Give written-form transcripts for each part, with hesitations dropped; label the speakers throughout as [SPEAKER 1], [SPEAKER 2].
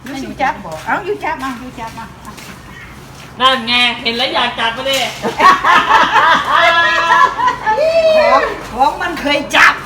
[SPEAKER 1] ยูสิจับบอกเอายูจับมายูจับมา
[SPEAKER 2] นั่นไงเห็นแล้วอยากจับไปเลย
[SPEAKER 1] ของมันเคยจับ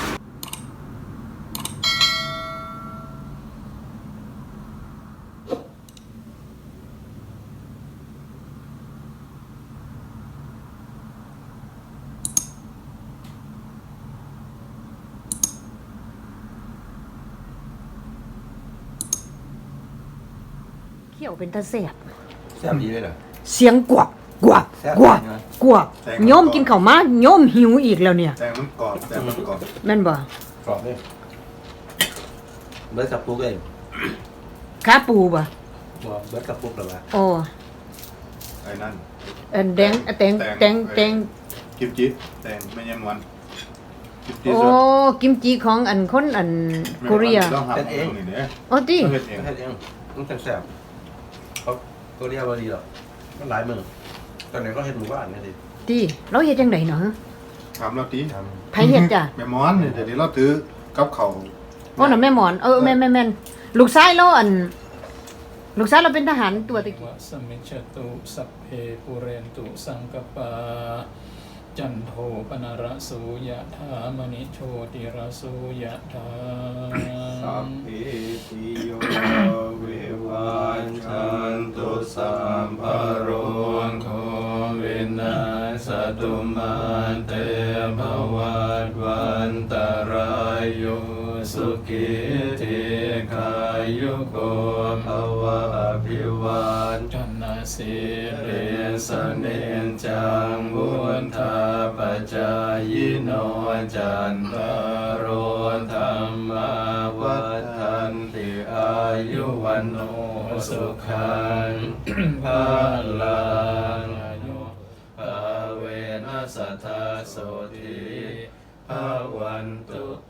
[SPEAKER 3] เขี่ยวเป็นตาเสียบ
[SPEAKER 4] แซ่บดีเลยเหรอ
[SPEAKER 3] เสียงกวักกวักกวักกวักโยมกินข้าวมาโยมหิวอีกแล้วเนี่ย
[SPEAKER 4] แต่มันกรอบแต่มันกรอบ
[SPEAKER 3] แม่นบ่
[SPEAKER 4] กรอบเลยเบิร์ดกับปุ๊กเอง
[SPEAKER 3] ขาปูบ่
[SPEAKER 4] บอกเบิร์ดกับปุ๊กเหรอวะ
[SPEAKER 3] โอ้
[SPEAKER 4] ไอ้นั่น
[SPEAKER 3] อันแดงแตง
[SPEAKER 4] กิมจิแตงไม่ยังวันกิมจิ
[SPEAKER 3] โอ้
[SPEAKER 4] สด
[SPEAKER 3] กิมจิของอันคนอันเกาหลี
[SPEAKER 4] ต้องหาเองนี่เนี่ย
[SPEAKER 3] โอ้ติ
[SPEAKER 4] เฮ็ดเองเฮ็ดเองมันแซ่บเขาเกาหลีบดีหรอกมันหลายมือตอนไหนก็เฮ็ดหมู่บ้านนี่สิ
[SPEAKER 3] ติเราเฮ็ดจังไดเนาะ
[SPEAKER 4] ถามเราตี
[SPEAKER 3] ไผเฮ็ดจ้ะ
[SPEAKER 4] แม่มอนเนี่ยเดี๋ยวนี้เราถือกับเขา
[SPEAKER 3] โอ้น่ะแม่หมอนแม่นลูกชายเราอันลูกชายเราเป็นทหารตัวตะกี้
[SPEAKER 2] วะสมิจฉตุสัพเพปุเรนตุสังกปาจันโทปนารสุยะธามณิโชติรสุยะธา
[SPEAKER 4] สัพเพติโยวิวัชชันตุสัมภโร
[SPEAKER 2] โควินาสตุมาเตภวัตวันตรายโยสุขิติขายุโกภวะอภิวันชนะสิเรสเนจังวุธาปจายโนจันตโรธรรมาวัฏันติอายุวันโนสุขังภาลังภาเวนัสทธาโสติภาวันตุเต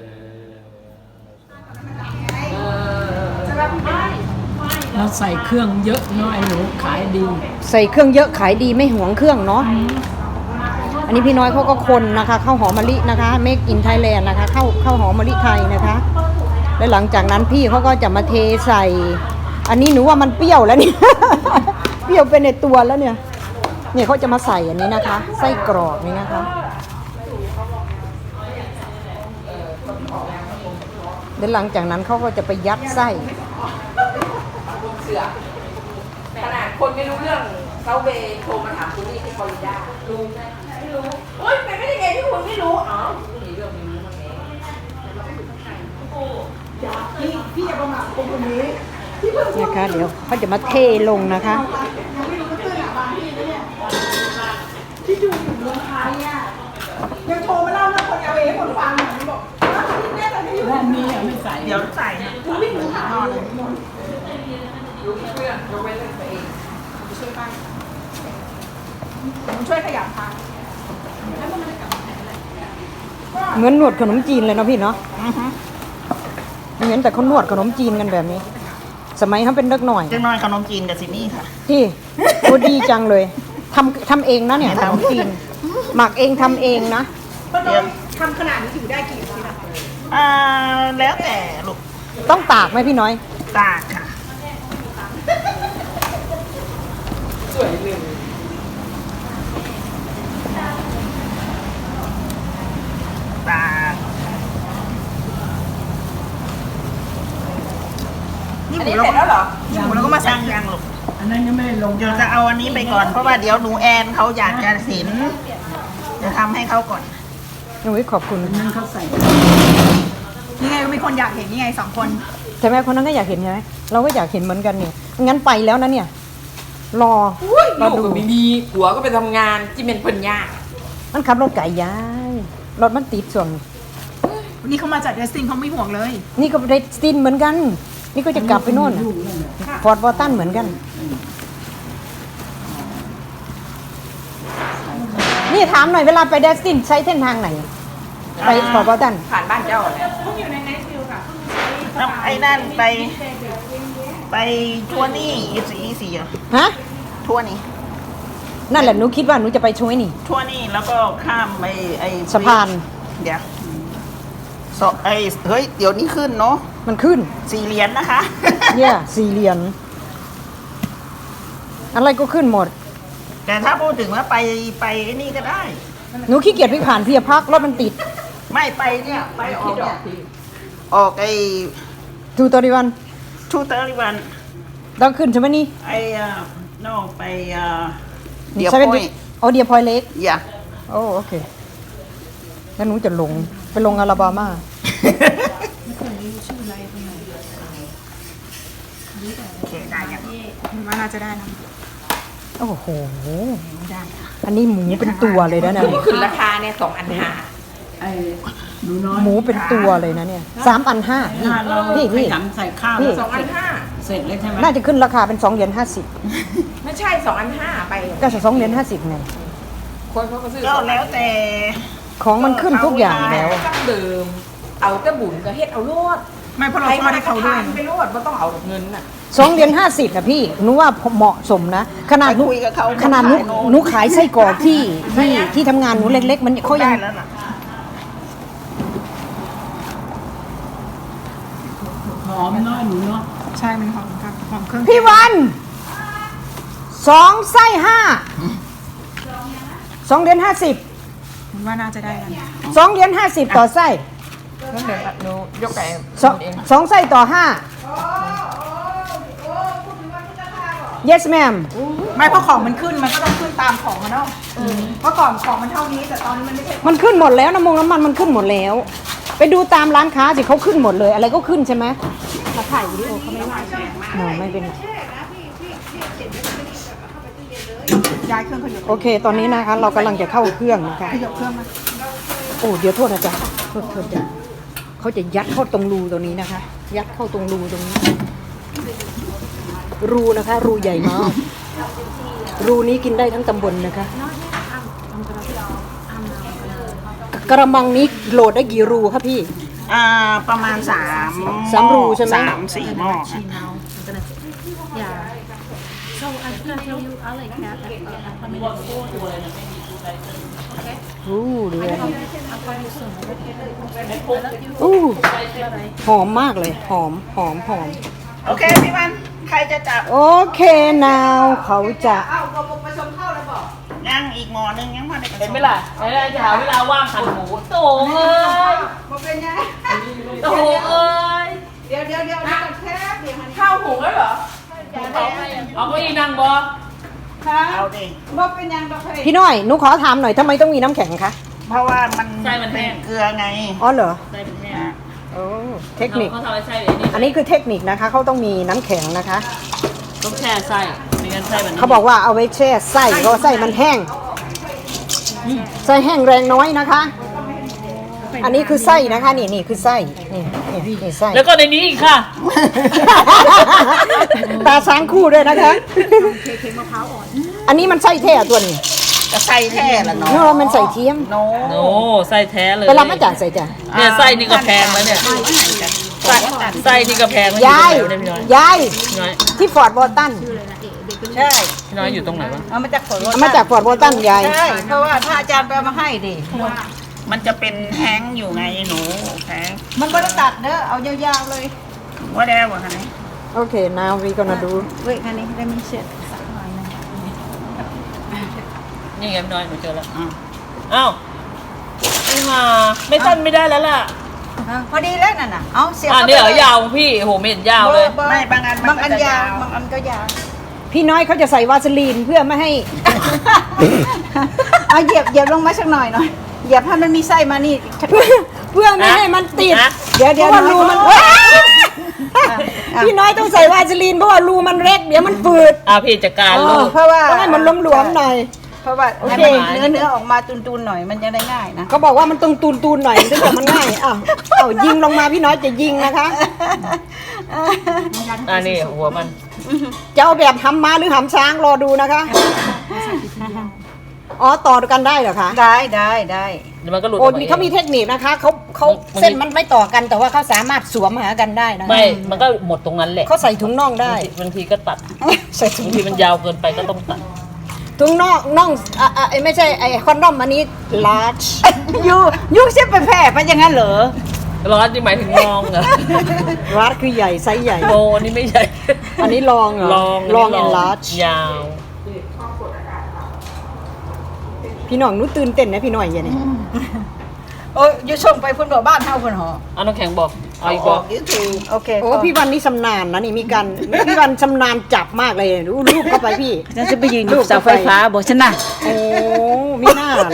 [SPEAKER 5] เราใส่เครื่องเยอะเนาะไอ้หนูขายดี
[SPEAKER 3] ใส่เครื่องเยอะขายดีไม่หวงเครื่องเนาะอันนี้พี่น้อยเขาก็คนนะคะข้าวหอมมะลินะคะ Make in Thailand นะคะข้าวหอมมะลิไทยนะคะและหลังจากนั้นพี่เขาก็จะมาเทใส่ อันนี้หนูว่ามันเปรี้ยวแล้วเนี่ย เปรี้ยวเป็นในตัวแล้วเนี่ยเขาจะมาใส่อันนี้นะคะไส้กรอกนี่นะคะแล้วหลังจากนั้นเขาก็จะไปยัดไส้
[SPEAKER 6] ขนาดคนไม่รู้เรื่องเขาเบโทรมาถามคุณนี่ที่ฟลอริดารู้ไหมไม่รู้โอ๊ยเป็นไม่ได้ไงที่คุณไม่รู้อ๋อมีเรื่องไม่รู้มั้งเอง
[SPEAKER 1] พี่อย่าประมาทคนคนนี้
[SPEAKER 3] นะคะเดี๋ยวเขาจะมาเทลงนะคะ
[SPEAKER 1] ที่ดูอยู่เมืองไทยอ่ะยังโทรมาเล่าเรื่องคนเอาเองคนฟังหน่อยบอกแม่ตอนนี้อยู่
[SPEAKER 5] ด้านนี้อะไม่ใส่
[SPEAKER 1] เดี๋ยวใส่นะคุณวิ่งหนูหานอนเลย
[SPEAKER 6] รู้เพื่อนยกเว้นเรื่องตัวเอง
[SPEAKER 1] ช่วยป้าผมช่วยขยับทาง
[SPEAKER 3] เหมือนหนวดขนมจีนเลยเนาะพี่เนาะเห็นแต่เขาหนวดขนมจีนกันแบบนี้ สมัยเขาเป็นเด็กหน่อย
[SPEAKER 1] เจ้าน้อยขนมจีนกับซิมี่ค่ะ
[SPEAKER 3] ที่โอ้ดีจังเลยทำเองนะเนี่ยขนมจีนหมักเองทำเองนะ
[SPEAKER 1] เดี๋ยวทำขนาดนี้อยู่ได้กี่นาทีนะแล้วแต่ลูก
[SPEAKER 3] ต้องตากไหมพี่น้อย
[SPEAKER 1] ตากค่ะสวยเลยตากนี่
[SPEAKER 6] อัน
[SPEAKER 1] หมู
[SPEAKER 6] นี้
[SPEAKER 1] เรา
[SPEAKER 6] เสร็จแล้วเหรอ
[SPEAKER 1] หมูเราก็มาใส่ยังลูก
[SPEAKER 5] อันนั้นยังไม่ได้ลง
[SPEAKER 1] เดี๋ยวจะเอาอันนี้ไปก่อนเพราะว่าเดี๋ยวหนูแอนเขาอยากจะเห็นจะทำให้เขาก่อน
[SPEAKER 3] หนูขอบคุณ
[SPEAKER 5] อันนั้นเขาใส่
[SPEAKER 1] นี่ไงก็มีคนอยากเห็นนี่ไงสองคน
[SPEAKER 3] ใช่ไหมคนนั้นก็อยากเห็นใช่ไหมเราก็อยากเห็นเหมือนกันเนี่ยงั้นไปแล้วนะเนี่ย รอ
[SPEAKER 6] ลูกก็ไม่มีผัวก็ไปทำงานที่เป็นปัญญา
[SPEAKER 3] มันขับรถไก่ย้ายรถมันติดส่วน
[SPEAKER 1] นี่เขามาจากเดสตินเขาไม่ห่วงเลย
[SPEAKER 3] นี่ก็เรดสตินเหมือนกัน นี่ก็จะกลับไปโน่นฟอร์ดวอตันเหมือนกัน นี่ถามหน่อยเวลาไปเดสตินใช้เส้นทางไหน ไปฟอร์ดวอตัน
[SPEAKER 6] ผ่านบ้านเจ้าเนี่ย
[SPEAKER 1] ไอ้นั่นไปทัวร์นี่อีสีเหรอ
[SPEAKER 3] ฮะ
[SPEAKER 1] ทัวร์นี่
[SPEAKER 3] นั่นแหละหนูคิดว่าหนูจะไปช่วยนี่
[SPEAKER 1] ทัวร์นี่แล้วก็ข้ามไอ้
[SPEAKER 3] สะพาน
[SPEAKER 1] เดี๋ยวเฮ้ยเดี๋ยวนี้ขึ้นเนาะ
[SPEAKER 3] มันขึ้น
[SPEAKER 1] 4 เหรียญนะคะ
[SPEAKER 3] เนี่ย4 เหรียญอะไรก็ขึ้นหมด
[SPEAKER 1] แต่ถ้าพูดถึงว่าไปไอ้นี่ก็ได้
[SPEAKER 3] หนูขี้เกียจวิ่งผ่านเพียพักรถมันติด
[SPEAKER 1] ไม่ไปเนี่ยไปออกเนี่ยออกไอ้
[SPEAKER 3] ทูตอริวัน
[SPEAKER 1] ทูเตอร์วัน
[SPEAKER 3] ต้องขึ้นใช่ไหมนี่
[SPEAKER 1] ไอ้นอกไปเดี๋ยว
[SPEAKER 3] 7
[SPEAKER 1] พ่อย
[SPEAKER 3] อ๋อเดียพอยเล็ก
[SPEAKER 1] อย่า
[SPEAKER 3] โอ้โอเคแล้วหนูจะลงไปลงอลาบามา
[SPEAKER 1] โอเคได้ยังว่าน่าจะได้นะ
[SPEAKER 3] โอ้โหอันนี้หมูเป็นตัวเลยนะเนี่ย
[SPEAKER 6] ขึ้นราคาเนี่ย2,500
[SPEAKER 5] ไอ้หนูน้อย
[SPEAKER 3] หมูเป็นตัวเลยนะเนี่ย3,500นี่
[SPEAKER 5] ถ้าเรา
[SPEAKER 3] พี่
[SPEAKER 5] ขยันใส่ข้าว
[SPEAKER 3] พี่
[SPEAKER 5] แล้ว
[SPEAKER 6] 2,500
[SPEAKER 5] เสร็จเลยใช่ไหม
[SPEAKER 3] น่าจะขึ้นราคาเป็น2 เหรียญ
[SPEAKER 6] ไม่ใช่2,500ไป
[SPEAKER 3] 50ก็จะ2 เหรียญ 50ไง
[SPEAKER 6] คนเขาก็ซื้อ
[SPEAKER 1] ก็แล้วแต่
[SPEAKER 3] ของมันขึ้นทุกอย่างแล้ว
[SPEAKER 6] ตั้งเดิม เอาแต่บุญก็เฮ็ดเอาโลด
[SPEAKER 1] ไม่เพราะเราทอดให้เขาด้วย
[SPEAKER 6] ไปโลดไม่ต้องเอาเงินน่ะ
[SPEAKER 3] 2 เหรียญ 50นะพี่หนูว่าเหมาะสมนะขนาดหนู
[SPEAKER 1] ไปคุยกับเขา
[SPEAKER 3] ขนาดหนูขายไส้กรอกที่ทำงานหนูเล็กๆ มันเขายัง
[SPEAKER 1] ได้แล้วน่ะ
[SPEAKER 5] หอมน้อยหนูเนาะ
[SPEAKER 1] ใช่มันหอมครับหอมเครื่อง
[SPEAKER 3] พี่วัน2 ไส้ 5 2 เหรียญ 50
[SPEAKER 1] ว่าน่าจะได้กัน
[SPEAKER 3] 2 เหรียญ 50 ต่อไส้
[SPEAKER 6] นั่นเดี๋ยวหนูยกไก่
[SPEAKER 3] 2 ไส้ต่อ 5 yes ma'am
[SPEAKER 1] ไม่เพราะของมันขึ้นมันก็ต้องขึ้นตามของอะเนาะเพราะก่อนของมันเท่านี้แต่ตอนนี้มันไม่ใช่
[SPEAKER 3] มันขึ้นหมดแล้วน้ำมันมันขึ้นหมดแล้ว ไปดูตามร้านค้าสิเขาขึ้นหมดเลย อะไรก็ขึ้นใช่ไหมมาถ่ายวิดีโอเขาไม่ว่าไม่เป็นไร
[SPEAKER 1] ย้ายเครื่องขยับ
[SPEAKER 3] โอเค ตอนนี้นะคะ เรากำลังจะเข้าเครื่องนะคะ
[SPEAKER 1] ขยับเครื่องมา
[SPEAKER 3] โอ้เดี๋ยวโทษนะจ๊ะโทษจ้ะเขาจะยัดเข้าตรงรูตรงนี้นะคะ ยัดเข้าตรงรูตรงนี้ รูนะคะ รูใหญ่มากรูนี้กินได้ทั้งตำบลนะคะกระมังนี้โหลดได้กี่รูครับพี่
[SPEAKER 1] ประมาณ
[SPEAKER 3] สามรูใช่ไหม
[SPEAKER 1] 3-4 หม้อค่ะ
[SPEAKER 7] So I'm gonna tell you, I like that. I'm gonna go.
[SPEAKER 3] อู้ดูเลย
[SPEAKER 7] I'll call you soon. I love you.
[SPEAKER 3] อู้
[SPEAKER 7] Bye.
[SPEAKER 3] หอมมากเลยหอม
[SPEAKER 1] โอเคพี่วันใครจะจับ
[SPEAKER 3] โอเคน าวเขาจะ
[SPEAKER 1] ยังอีกหม้อนึงยังพอได้กระ
[SPEAKER 6] เห็น
[SPEAKER 1] ช
[SPEAKER 6] ไหม
[SPEAKER 1] ม
[SPEAKER 6] ล่ะเห็นไหมจะหาเวลาว่างหั่นหมูโต่งเอ้ย
[SPEAKER 1] มาเป็นยัง
[SPEAKER 6] โต่งเอ้ย
[SPEAKER 1] เดี๋ยวแค่เดี๋ยว
[SPEAKER 6] ข้าวหุงแล้วเหรอเอาเก็อีนั่งบ่
[SPEAKER 1] เอาดิ มาเป็นยังดอกเฮ้ย
[SPEAKER 3] พี่น้อยหนูขอถามหน่อยทำไมต้องมีน้ำแข็งคะ
[SPEAKER 1] เพราะว่ามันเป็นเกลือไง
[SPEAKER 3] อ๋อเหรอ
[SPEAKER 6] ใส่เป็นแม่
[SPEAKER 3] โอ้เทคนิค
[SPEAKER 6] เขาทำอะไรใส่เลยนี่
[SPEAKER 3] อันนี้คือเทคนิคนะคะเขาต้องมีน้ำแข็งนะคะ
[SPEAKER 6] ต้องแช่ไส้ไม่งั้นไส้มัน
[SPEAKER 3] เขาบอกว่าเอาไว้แช่ไส้เพราะว่าไส้มันแห้งไส้แห้งแรงน้อยนะคะ อันนี้คือไส้นะคะนี่คือไส้นี่ไส้
[SPEAKER 6] แล้วก็ในนี้อีกค่ะ
[SPEAKER 3] ตาช้างคู่ด้วยนะคะอันนี้มันไส้แท้ตัวนี้
[SPEAKER 1] จะใส่แท้ละเนาะ
[SPEAKER 3] เนาะมันใส่เทียม
[SPEAKER 1] โน
[SPEAKER 6] โอ้ไส้แท้เลย
[SPEAKER 3] ไปรับมาจากใส่จ้ะ
[SPEAKER 6] เนี่ยไส้นี่ก็แพงแล้วเนี่ยไส้นี่ก็แพงแล้ว
[SPEAKER 3] ยาย
[SPEAKER 6] อยู่ตรงไหนวะเนี่ย
[SPEAKER 3] ยาย
[SPEAKER 6] พี่น้อย
[SPEAKER 3] ที่ฟอร์ดวอลตันใช่
[SPEAKER 6] พี่น้อยอยู่ตรงไหนวะ
[SPEAKER 1] เอามาจากฝน
[SPEAKER 3] เอามาจากฟอร์ดวอลตันยาย
[SPEAKER 1] ใช่เพราะว่าพระอาจารย์ไปเอามาให้ดิมันจะเป็นแห้งอยู่ไงหนูแห้งมันไม่ได้ตัดเด้อเอายาวๆเลยว่าได้บ่คะนี่
[SPEAKER 3] โอเค now we gonna do
[SPEAKER 1] เว้ยคันนี้ได้มีเสร็จ
[SPEAKER 6] นี่ไงพี่น้อยหนูเจอแล้วอ้าวไม่มาไม่สั้นไม่ได้แล้วล่ะ
[SPEAKER 1] พอดีแล้วนั่นน่ะเอาเสียบ
[SPEAKER 6] อ่านี่เหรอยาวพี่โหไม่เห็นยาวเลย
[SPEAKER 1] ไม่บางอันบางอันยาวบางอันก็ยาว
[SPEAKER 3] พี่น้อยเขาจะใส่วาสลีนเพื่อไม่ให้
[SPEAKER 1] เอาเหยียบลงมาสักหน่อยเหยียบให้มันมีไส้มานี่
[SPEAKER 3] เพื่อไม่ให้มันติด
[SPEAKER 6] นะ
[SPEAKER 3] เดี๋ยวรูมันพี่น้อยต้องใส่วาสลีนเพราะว่ารูมันเล็กเดี๋ยวมันฝืด
[SPEAKER 6] พี่จัดการลูก
[SPEAKER 1] เพราะว่า
[SPEAKER 3] ต้องให้มันหลวมๆหน่อย
[SPEAKER 1] เพราะว่า
[SPEAKER 3] โอเค
[SPEAKER 1] ให้มันเนื้อออกมาตุนๆหน่อยมันจะได้ง่ายนะ
[SPEAKER 3] เขาบอกว่ามันต้องตูนๆหน่อยถึงจะมันง่ายอ้าวเอายิงลงมาพี่น้อยจะยิงนะคะ
[SPEAKER 6] นี่หัวมัน
[SPEAKER 3] จะเอาแบบหำม้าหรือหำช้างรอดูนะคะอ๋อต่อกันได้เหรอคะ
[SPEAKER 1] ได้
[SPEAKER 6] เดี๋ยวมันก็หลุด
[SPEAKER 3] โอ้
[SPEAKER 6] กม
[SPEAKER 3] เขามีเทคนิคนะคะเขาเส้นมันไม่ต่อกันแต่ว่าเขาสามารถสวมหากันได้นะคะ
[SPEAKER 6] ไม่มันก็หมดตรงนั้นแหละ
[SPEAKER 3] เขาใส่ถุงน่องได้
[SPEAKER 6] บางทีก็ตัด
[SPEAKER 3] ใส่ถุง
[SPEAKER 6] บางทีมันยาวเกินไปก็ต้องตัด
[SPEAKER 3] ถุงน่องไม่ใช่ไอ้คอนดอมอันนี้ large
[SPEAKER 1] ยูเสียไปแพร่ไปอย่างนั้นเหรอ
[SPEAKER 5] ร้อนที่หมายถึงลองเหรอ
[SPEAKER 3] รัดคือใหญ่ไซส์ใหญ่
[SPEAKER 5] โมอันนี้ไม่ใช่
[SPEAKER 3] อันนี้ลองเหรอ ลองแอนลาร์จ
[SPEAKER 5] ยาว
[SPEAKER 3] พี่น้องหนูตื่นเต้นนะพี่น้อยอย่างนี้
[SPEAKER 1] โอ้ยอยู่ส่งไปพุ่นบ่บ้านเฮาพุ่นหอ
[SPEAKER 5] เอาน้ำแข็งบอกเอาอีก
[SPEAKER 1] บบ อ
[SPEAKER 5] อก ก
[SPEAKER 1] YouTube โอเค
[SPEAKER 3] โอ้พี่วันนี่ชำนาญนะนี่มีการพี่วันชำนาญจับมากเลยดูรูปเข้าไปพี่
[SPEAKER 1] ฉันจะไปยืนอยู่เสาไฟฟ้าบ่ฉันน่ะ
[SPEAKER 3] โอ้มีหน้าเหรอ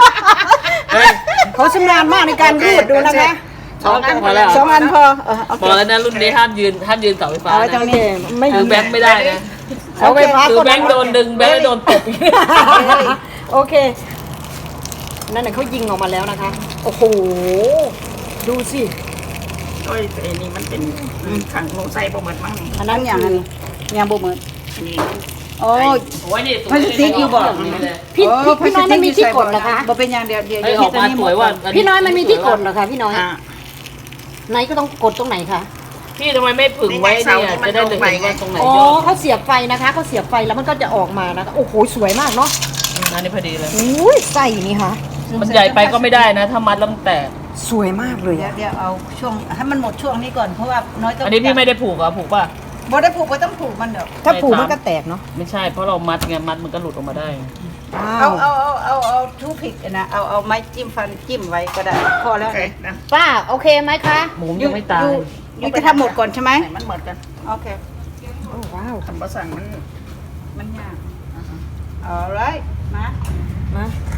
[SPEAKER 3] เขาชำนาญมากในการรูดดูนะคะ
[SPEAKER 5] สองอันพอแล้ว
[SPEAKER 3] สองอันพอโอ
[SPEAKER 5] บ
[SPEAKER 3] เค
[SPEAKER 5] อกแล้วนะรุ่นนี้ห้ามยืนเสาไฟฟ้า
[SPEAKER 3] เอาไว้ตรงนี้ไม่
[SPEAKER 5] ถือแบงค์ไม่ได้นะ
[SPEAKER 3] เสาไฟฟ้า
[SPEAKER 5] ถือ
[SPEAKER 3] ก็
[SPEAKER 5] แบงค์โดนดึงแบงค์โดนตบ
[SPEAKER 3] โอเคนั่นน่ะเขายิงออกมาแล้วนะคะโอ้โหดูสิ
[SPEAKER 1] โอ้ยแต่อันนี้มันเป็นขังลงใส่บ่หมดมั้งนี่
[SPEAKER 3] อันนั้นอย่างอันนี้ยังบ่เหมือน
[SPEAKER 1] อันนี้
[SPEAKER 3] โอ้ย
[SPEAKER 5] โอ้ยนี่
[SPEAKER 1] พลาสติกอยู่บ่
[SPEAKER 3] พี่น้อยมันมีที่กดเหรอคะ
[SPEAKER 1] บ่เป็นอย่างเดียว
[SPEAKER 5] ไอ้ออกมาสวยว่า
[SPEAKER 3] พี่น้อยมันมีที่กดเหรอคะพี่น้อย
[SPEAKER 1] อ่า
[SPEAKER 3] ไหนก็ต้องกดตรงไหนคะ
[SPEAKER 5] พี่ทำไมไม่ผึ่งไว้เนี่ยจะได้เห็นว่าตรงไหน
[SPEAKER 3] อ๋อย
[SPEAKER 5] อด
[SPEAKER 3] เขาเสียบไฟนะคะเขาเสียบไฟแล้วมันก็จะออกมานะคะโอ้โหสวยมากเนาะ
[SPEAKER 5] อันนี้พอดีเลย
[SPEAKER 3] อุ้ยใส่นี่ค่ะ
[SPEAKER 5] มันใหญ่ไปก็ไม่ได้นะ ถ้ามัดแล้วมันแตก
[SPEAKER 3] สวยมากเลย
[SPEAKER 1] เดี๋ย
[SPEAKER 3] อะ
[SPEAKER 1] วเดี๋ยวเอาช่วงให้มันหมดช่วงนี้ก่อนเพราะว่าน้อยต้อง
[SPEAKER 5] อันนี้พี่ไม่ได้ผูกเหรอผูกป่ะ
[SPEAKER 1] บ่ได้ผูกบ่ต้องผูกมันดอก
[SPEAKER 3] ถ้าผูกมันก็แตกเนาะ
[SPEAKER 5] ไม่ใช่เพราะเรามัดไงมัดมันก็หลุดออกมาได้
[SPEAKER 3] อ้าว
[SPEAKER 1] เอาทูพิกนะเอาไม้จิ้มฟันจิ้มไว้ก็ได้พอแล้วนะ
[SPEAKER 3] ป้าโอเคไหมคะ
[SPEAKER 5] หมูยังไม่ตาย
[SPEAKER 1] อยู่จะทำหมดก่อนใช่ไหมมันหมดกันโอเค
[SPEAKER 3] โอ้ว้าว
[SPEAKER 1] คำภาษามันยากเอาไรมา
[SPEAKER 3] มา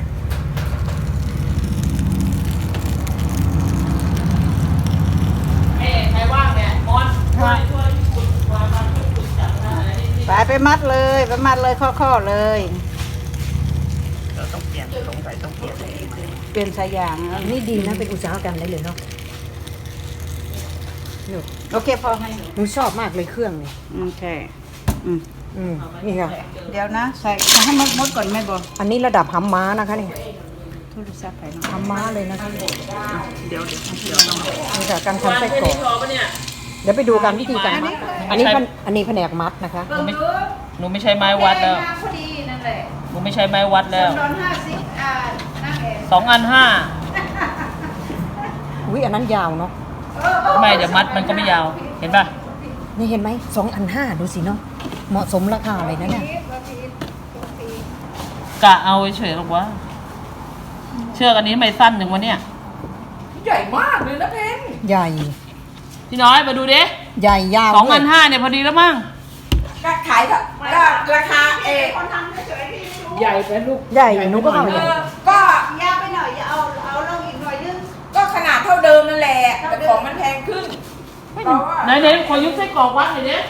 [SPEAKER 5] ใครว่างเนี่ยมอนช่วยคุณมาจับนะ
[SPEAKER 1] ไปมัดเลยไปมัดเลยข้อๆเลยเราต้องเปลี่ยนลงไปต้องเปลี่ยนเปลี่ยนสายยาง
[SPEAKER 3] นี่ดีนะเป็นอุตสาหกรรมได้เลยเนาะ
[SPEAKER 1] โอเคพอให้
[SPEAKER 3] หนูชอบมากเลยเครื่องเนี่ย
[SPEAKER 1] โอเค
[SPEAKER 3] นี่ค่ะ
[SPEAKER 1] เดี๋ยวนะใส่ให้มดก่อนแม่บอก
[SPEAKER 3] อันนี้ระดับหำม้านะคะนี่
[SPEAKER 1] โทรศัพท์ไปเนาะ
[SPEAKER 3] หำม้าเลยนะคะ
[SPEAKER 1] เดี๋ยว
[SPEAKER 3] นี่ค่ะการทำไส้กรอก
[SPEAKER 5] พอปะเนี่ย
[SPEAKER 3] เดี๋ยวไปดูกันวิธีการอันนี้แผนกมัดนะคะ
[SPEAKER 5] หนูไม่ใช้ไม้วัดแล้ว
[SPEAKER 1] พอดีนั่นแหละ
[SPEAKER 5] หนูไม่ใช้ไม้วัดแล้ว
[SPEAKER 1] ตอน50นั่งเอง
[SPEAKER 5] 2 อัน
[SPEAKER 3] อุ้ยอันนั้นยาวเนาะ
[SPEAKER 5] 5ไม่เดี๋ยวมัดมันก็ไม่ยาว เห็นป่ะ
[SPEAKER 3] นี่เห็นไหม2,500ดูสิเนาะเหมาะสมราคาเลยนะเนี่ย
[SPEAKER 5] กะเอาเฉยๆหรอกวะเชือกอันนี้ทำไมสั้นอย่างวะเนี่ย
[SPEAKER 6] ใหญ่มากเลยนะเพน
[SPEAKER 3] ใหญ่
[SPEAKER 5] พี่น้อยมาดูดิ
[SPEAKER 3] ใหญ่ยาว
[SPEAKER 5] 2 อัน 5เนี่ยพอดีแล้วมั้ง
[SPEAKER 6] ก็ขายก็ราคา
[SPEAKER 5] ใหญ่ไปลูก
[SPEAKER 3] ใหญ่หนูก็เอาใหญ่
[SPEAKER 6] ก็
[SPEAKER 1] ยาวไปหน่อยอย่าเอาลงอีกหน่อยนึง
[SPEAKER 6] ก็ขนาดเท่าเดิมนั่นแหละแต่ของมันแพงขึ้นเพราะว่า
[SPEAKER 5] ไหนๆขอยุบไส้กรอกวัดหน่อยดิ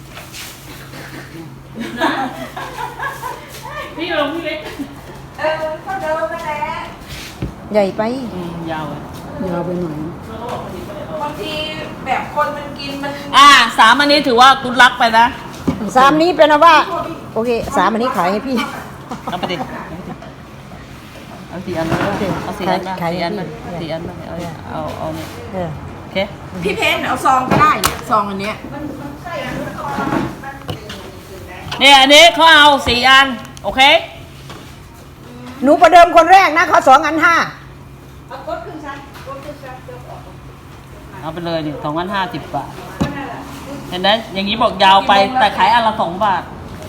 [SPEAKER 5] นะพี่ลงพี่เล็ก
[SPEAKER 6] เท่าเดิมนั่นแหละ
[SPEAKER 3] ใหญ่ไป
[SPEAKER 5] ยาวเลย
[SPEAKER 3] ยาวไปหน่อย
[SPEAKER 6] บางทีแบบคนมันกินมัน
[SPEAKER 5] 3 อันนี้ถือว่ากุดลักไปนะ
[SPEAKER 3] 3นี้เป็นว่าโอเค3อันนี้ขายให้พี่
[SPEAKER 5] เอาไปดิเอา4 อันมาเอา4 อันมา
[SPEAKER 3] ขาย
[SPEAKER 5] 4 อันมา
[SPEAKER 3] ให้พี่
[SPEAKER 5] 4 อันมาเอาเนี่ย
[SPEAKER 3] เออ
[SPEAKER 5] โอเค
[SPEAKER 6] พี่เพนเอาซองก็ได้เนี่ยซองอันเนี้ย
[SPEAKER 5] เนี่ยอันนี้เขาเอา4 อันโอเค
[SPEAKER 3] หนูประเดิมคนแรกนะเขา2 อัน 5
[SPEAKER 5] เอาไปเลยนี่2,050 บาทเห็นไหมอย่างนี้บอกยาวไปแต่ขายอันละ2 บาท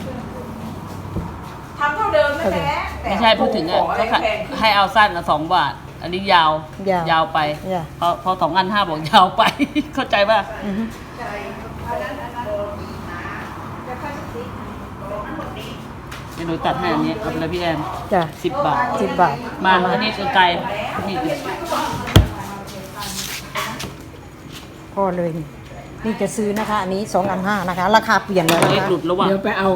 [SPEAKER 6] ทำเท่าเดิมนั่นแหละแต่
[SPEAKER 5] ไม่ใช่พูดถึงอ่ะ
[SPEAKER 6] ของอะไร
[SPEAKER 5] ก็
[SPEAKER 6] แพงขึ้น
[SPEAKER 5] ให้เอาสั้นละ2 บาท อันนี้ยาว ยาวไป
[SPEAKER 3] ยาว
[SPEAKER 5] พอ2 อัน 5บอกยาวไป เข้าใจป่ะเดี๋ยวหนูตัดให้อันนี้เอาไปเลยพี่แอน
[SPEAKER 3] จ้ะ
[SPEAKER 5] 10 บาท
[SPEAKER 3] 10 บาท
[SPEAKER 5] มาอันนี้คือไกลนี่อีก
[SPEAKER 3] พอเลยนี่จะซื้อนะคะ อันนี้2 อัน 5นะคะ ราคาเปลี่ยนแล้วนะ
[SPEAKER 5] เล็ก
[SPEAKER 3] คะ
[SPEAKER 5] หลุดแล้วว่ะเดี๋ยวไปเอา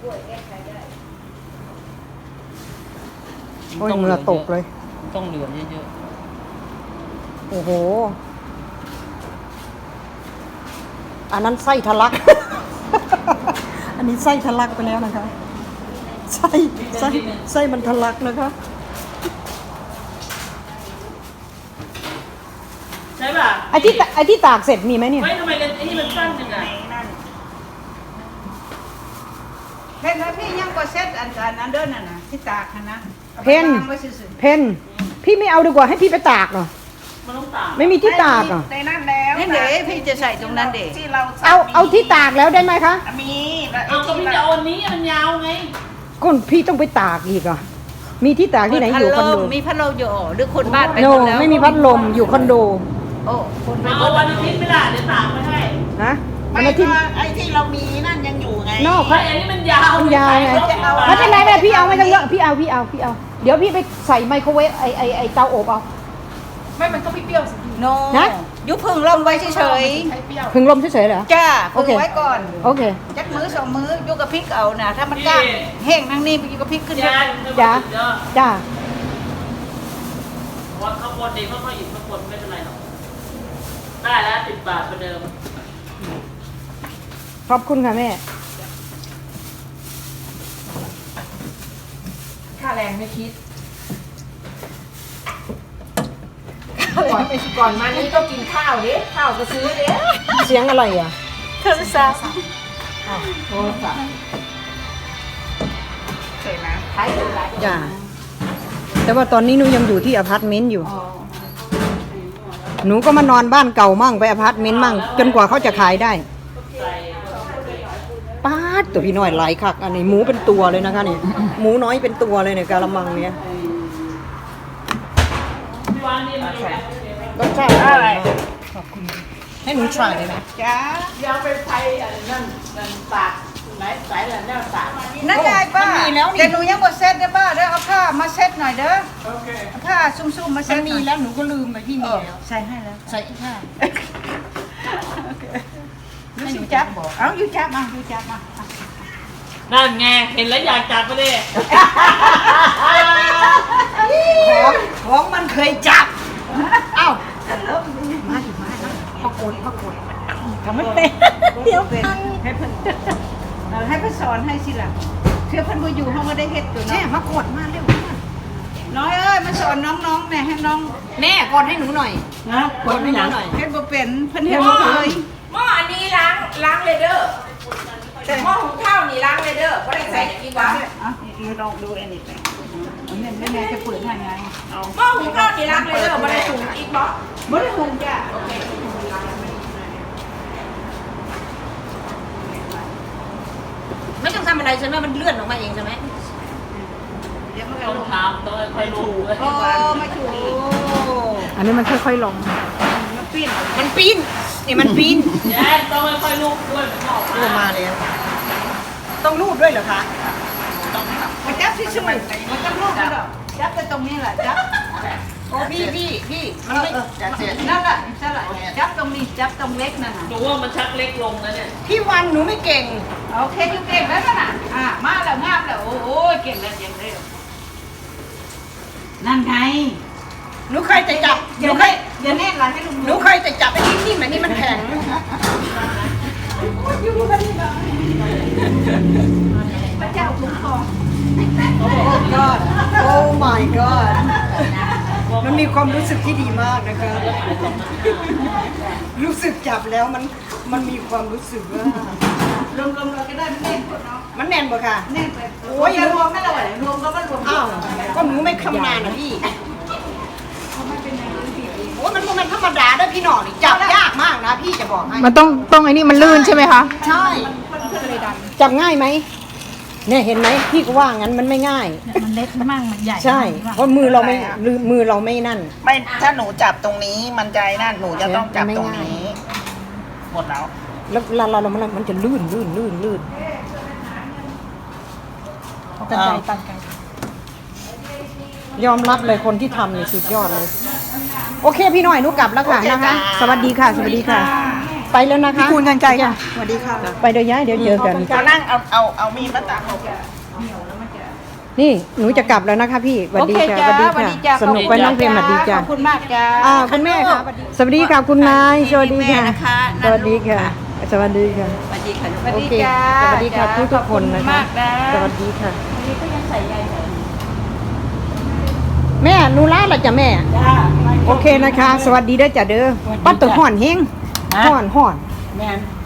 [SPEAKER 3] โอ้ยเหงื่อตกเลย
[SPEAKER 5] ต้องเหลือเยอะ
[SPEAKER 3] โอ้โห อันนั้นไส้ทะลัก อันนี้ไส้ทะลักไปแล้วนะคะ ไส้มันทะลักนะคะ
[SPEAKER 5] ๆใช่ป่ะ
[SPEAKER 3] ไอ้ที่ตากเสร็จมีไหมเนี่ย
[SPEAKER 5] ไม่ทำไมกันไอ้นี่มันสั้นจังไง
[SPEAKER 1] เห็นไหมพี่ยังก็เซ็ตอันเดินน่ะที่ตากนะ
[SPEAKER 3] เพนพี่ไม่เอาดีกว่าให้พี่ไปตากเนาะ
[SPEAKER 5] มันต้องตาก
[SPEAKER 3] ไม่มีที่ตากอ่ะ
[SPEAKER 1] ในนั้นแล้วนี่เดี๋ยวพี่จะใส่ตรงนั้นเด็ที่เรา
[SPEAKER 3] เอาที่ตากแล้วได้ไหมคะ
[SPEAKER 1] มีแล้ว
[SPEAKER 5] เอาก็พี่จะเอาอันนี้มันยาวไง
[SPEAKER 3] ก้นพี่ต้องไปตากอีกอ่ะมีที่ตากที่ไหนอยู่คอนโด
[SPEAKER 1] มีพัดลมอยู่หรือคนบ้านไป
[SPEAKER 3] โน
[SPEAKER 1] หมดแล้ว
[SPEAKER 3] ไม่มีพัดลมอยู่คอนโด
[SPEAKER 1] โอ้คนไปหม
[SPEAKER 5] เอา
[SPEAKER 1] ด
[SPEAKER 5] วันอาทิตย์ไม่ได้เดี๋ยวตากไม่ให้
[SPEAKER 3] ฮะ
[SPEAKER 1] ไม่
[SPEAKER 3] วันอาทิตย์
[SPEAKER 1] ก็ไอ้ที่เรามีนั่นยังอยู่ไง
[SPEAKER 3] นอก
[SPEAKER 5] เพราะอันนี้มันยาว
[SPEAKER 3] คุณยายไงไม่เป็นไรไม่พี่เอาไม่ต้องเยอะพี่เอาเดี๋ยวพี่ไปใส่ไมโครเวฟไอเตาอบเอา
[SPEAKER 1] โน
[SPEAKER 3] นะ
[SPEAKER 1] ยุบพึ่งลมไว้เฉย
[SPEAKER 3] พึ่งลมเฉยๆเหรอ
[SPEAKER 1] ๆจ้า
[SPEAKER 3] โอเค
[SPEAKER 1] พึ่งไว้ก่อน
[SPEAKER 3] โอเค
[SPEAKER 1] จักมือสองมือยุกกระพริกเอานะถ้ามันกล้าแห้งทั้งนี้ไปยุกกระพริกขึ้น
[SPEAKER 5] ยาย
[SPEAKER 3] จ้าจ้า
[SPEAKER 5] ว่าข้างบนเองค่อยๆหยิบข้างบนไม่เป็นไรหรอกได้แล้ว10 บาทเหมือนเดิม
[SPEAKER 3] ขอบคุณค่ะแม่
[SPEAKER 6] ค่าแรงไม่คิดก่อนมานี่ก็กินข้าวดิข้าวก็ซื้อดิ
[SPEAKER 3] เสียงอะไรอ่ะ
[SPEAKER 1] โทรศัพท์
[SPEAKER 6] โทรศัพท์
[SPEAKER 1] ใช่ไหม
[SPEAKER 6] ใช้อะไร
[SPEAKER 3] จ้าแต่ว่าตอนนี้หนูยังอยู่ที่อพาร์ตเมนต์อยู่ หนูก็มานอนบ้านเก่ามั่งไปอพาร์ตเมนต์มั่งจนกว่าเขาจะขายได้ป้าดตัวพี่น้อยหลายคักอันนี้หมูเป็นตัวเลยนะคะนี่หมูน้อยเป็นตัวเลยเนี่ยกะละมังเนี้ย
[SPEAKER 5] พี่วานนี่มัน
[SPEAKER 3] รสชาติอร่อยมากขอบคุณให้หนูทรายเลยนะ
[SPEAKER 1] จ้า
[SPEAKER 6] เดี๋ยวไปไฟนั่นตากไหนสายนั่นตาก
[SPEAKER 1] นั่นไงป้าแต่หนูยังบ่เซ็ตเด้อป้าเด้อเอาผ้ามาเซ็ตหน่อยเด้อเอาผ้าซุ่มๆมาเซ็ต
[SPEAKER 3] มีแล้วหนูก็ลืมไปพี่มีแล้ว
[SPEAKER 1] ใส่ให้แล้ว
[SPEAKER 3] ใส่อีกค่ะ
[SPEAKER 1] ยูสิจับเอายูจับมายูจับมา
[SPEAKER 5] นั่นไงเห็นแล้วอยากจับไปเลย
[SPEAKER 1] ของมันเคยจับ
[SPEAKER 3] เอ้า
[SPEAKER 1] พกดทำไม่เป็นเดี๋ยวเป็นให้เพิ่นให้เพิ่นสอนให้สิล่ะเชื่อเพิ่นบ่อยู่เฮาก็ได้เฮ็ดอยู่
[SPEAKER 3] แช่
[SPEAKER 1] เนาะ
[SPEAKER 3] มากดมาเร็ว
[SPEAKER 1] น้อยเอ้ยมาสอนน้องๆแน่ให้น้อง
[SPEAKER 3] แม่กดให้หนูหน่อย
[SPEAKER 1] นะ
[SPEAKER 3] กดให้หนูหน่อย
[SPEAKER 1] เฮ็ดบ่เป็นเพิ่นเฮ็ดบ่เคย
[SPEAKER 6] หม้ออันนี้ล้างเลยเด้อหม้อหุงข้าวนี่ล้างเลยเด้อไม่ได้ใส่กี่วะ
[SPEAKER 1] อ่ะนี่ลองดูอันนี้ไปอันนี้แม่จะเปิดให้ไง
[SPEAKER 6] หม้อหุงข้าวนี่ล้างเลยเด้อไม่ได้ถุงอีกบ่
[SPEAKER 1] บ่ได้หุงจ้ะ
[SPEAKER 3] ไม่ต้องทำอะไรใช่ไหมมันเลื่อนออกมาเองใช่ไหม
[SPEAKER 1] เดี๋ยวมันก็
[SPEAKER 5] ต้อง
[SPEAKER 1] ลง
[SPEAKER 5] ทำต้องค่อยๆลูก
[SPEAKER 1] โอ้มาถูก
[SPEAKER 3] อันนี้มันค่อยๆลง
[SPEAKER 1] มันปิ้น
[SPEAKER 3] มันปีนนี่มันปีน
[SPEAKER 5] แย่ต้องค่อยๆลูกด้วยมันออก
[SPEAKER 3] ลงมาแล้วต้องรูดด้วยเหรอคะ
[SPEAKER 1] มันจับซื่อๆมันจับลูกมันหรอกจับแต่ตรงนี้แหละจับ
[SPEAKER 3] โอ้พี่มันไม่
[SPEAKER 1] นั่นแหละนั่นแหละจับตรงนี้จับตรงเล็กนั่นน่ะ
[SPEAKER 5] หนูว่ามันชักเล็กลงแล้วเนี่ย
[SPEAKER 3] พี่วันหนูไม่เก่ง
[SPEAKER 1] โอเคยูเก่งแล้วน่ะมาแล้วงามแล้วโอ้ยเก่งแล้วเก่งแล้วนั่นไง
[SPEAKER 3] หนูเคยจะจับห
[SPEAKER 1] อย่า
[SPEAKER 3] นูเค
[SPEAKER 1] แน่
[SPEAKER 3] ย
[SPEAKER 1] อย่าแน่นหลังให้ลุง
[SPEAKER 3] หนูเคยจะจับไอ้นิ่มๆอันนี้มันแข็ง
[SPEAKER 1] พระเจ้าคุ้มครอง
[SPEAKER 3] God Oh my God มันมีความรู้สึกที่ดีมากนะคะ รู้สึกจับแล้วมันมีความรู้สึกว่าร
[SPEAKER 1] วมๆเราก็ได้แน่นกว่าเนาะ
[SPEAKER 3] มันแน่นปะค่ะ
[SPEAKER 1] แน่นไป
[SPEAKER 3] โอ้ย
[SPEAKER 1] จะรวมไม่ละไหวรวมก็มันรวม
[SPEAKER 3] อ้าวก็หนูไม่คำนานนะพี่โอ้ยมันธรรมดาด้วยพี่หน่อนี่จับยากมากนะพี่จะบอกให้
[SPEAKER 8] มันต้องไอ้นี่มันลื่นใช่ไหมคะ
[SPEAKER 3] ใช่จับง่ายไหมเนี่ยเห็นไหมพี่ก็ว่างั้นมันไม่ง่าย
[SPEAKER 7] มันเล็กมากมันใหญ่
[SPEAKER 3] ใช่เพราะมือเราไม่นั่น
[SPEAKER 1] ไม่ถ้าหนูจับตรงนี้มันใจนั่นหนูจะต้องจับตรงนี้หมดแล้ว
[SPEAKER 3] แล้วเรามันจะลื่น
[SPEAKER 7] เอากระจายตัดกัน
[SPEAKER 3] ยอมรับเลยคนที่ทำเนี่ยสุดยอดเลย โอเคพี่หน่อยหนุกลับแล้วค่ะนะคะ สวัสดีค่ะ ไปแล้วนะคะคุณกันใจค่ะสวัสดีค่ะไปเดี๋ยวย้ายเดี๋ยวเจอกัน
[SPEAKER 1] เอานั่งเอามีดมาตัด
[SPEAKER 3] นี่หนูจะกลับแล้วนะคะพี่สวัสดีค่ะสนุกไปน้องเพลงสวัสดีจ้ะ
[SPEAKER 1] ขอบคุณมากจ้า
[SPEAKER 3] คุณแม่ค่ะสวัสดีค่ะคุณนายสวัสดีค่ะ
[SPEAKER 1] แม่นะคะ
[SPEAKER 3] สวัสดีค่ะ สวัสดีค่ะ
[SPEAKER 1] สวัสดีค่ะสวัส
[SPEAKER 3] โอ
[SPEAKER 1] ดี
[SPEAKER 3] เค
[SPEAKER 1] จ้า
[SPEAKER 3] สวัสดีค่ะทุกคนนะคะ
[SPEAKER 1] มากนะ
[SPEAKER 3] สวัสดีค่ะแม่หนูลาละจ้ะแม่
[SPEAKER 1] จ้า
[SPEAKER 3] โอเคนะคะ สวัสดีเด้อจ้ะเด้อปัดตัวห่อนเฮงห่อน
[SPEAKER 1] แม่น